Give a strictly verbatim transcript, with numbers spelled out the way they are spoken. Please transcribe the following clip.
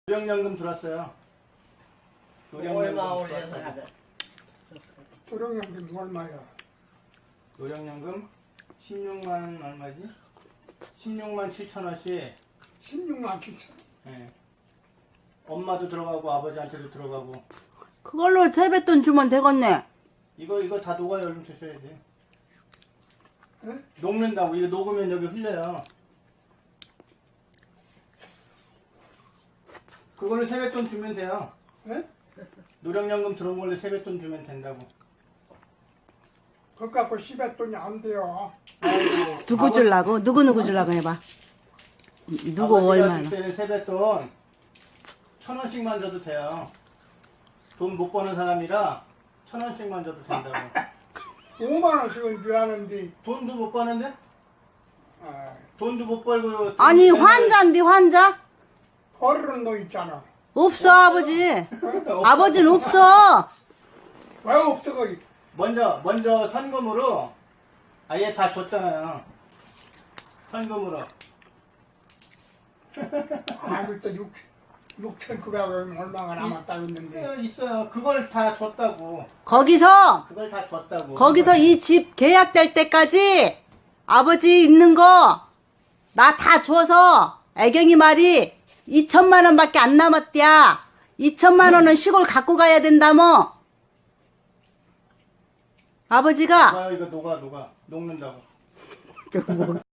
노령연금 들었어요. 얼마 올려서 하자. 노령연금 얼마야? 노령연금 십육만 얼마지? 십육만 칠천 원씩. 십육만 칠천. 예. 엄마도 들어가고 아버지한테도 들어가고. 그걸로 세뱃돈 주면 되겠네. 이거 이거 다 녹아요. 얼른 드셔야지. 예? 녹는다고. 이거 녹으면 여기 흘려요. 그걸로 세뱃돈 주면 돼요. 예? 노령연금 들어온 걸로 세뱃돈 주면 된다고. 그거 갖고 십액돈이 안 돼요. 아이고, 누구 아버지- 주려고? 누구 누구 주려고 해봐. 누구 아버지가 얼마나? 줄 때는 세뱃돈 천 원씩만 줘도 돼요. 돈 못 버는 사람이라 천 원씩만 줘도 된다고. 오만 원씩은 줘야 하는데. 돈도 못 버는데? 아, 돈도 못 벌고. 아니 돈 때문에- 환자인데 환자? 버리는 거 있잖아. 없어 아버지. 아버지는 없어. 왜 없어 거기? 먼저 먼저 선금으로 아예 다 줬잖아요. 선금으로. 아, 그때 육 육천 구백 원 얼마가 남았다고 했는데. 예, 있어요. 그걸 다 줬다고. 거기서 그걸 다 줬다고. 거기서 이 집 계약될 때까지 아버지 있는 거 나 다 줘서 애경이 말이 이천만 원밖에 안 남았대야. 이천만 원은 시골 갖고 가야 된다며. 아버지가 녹아요. 이거 녹아 녹아 녹는다고.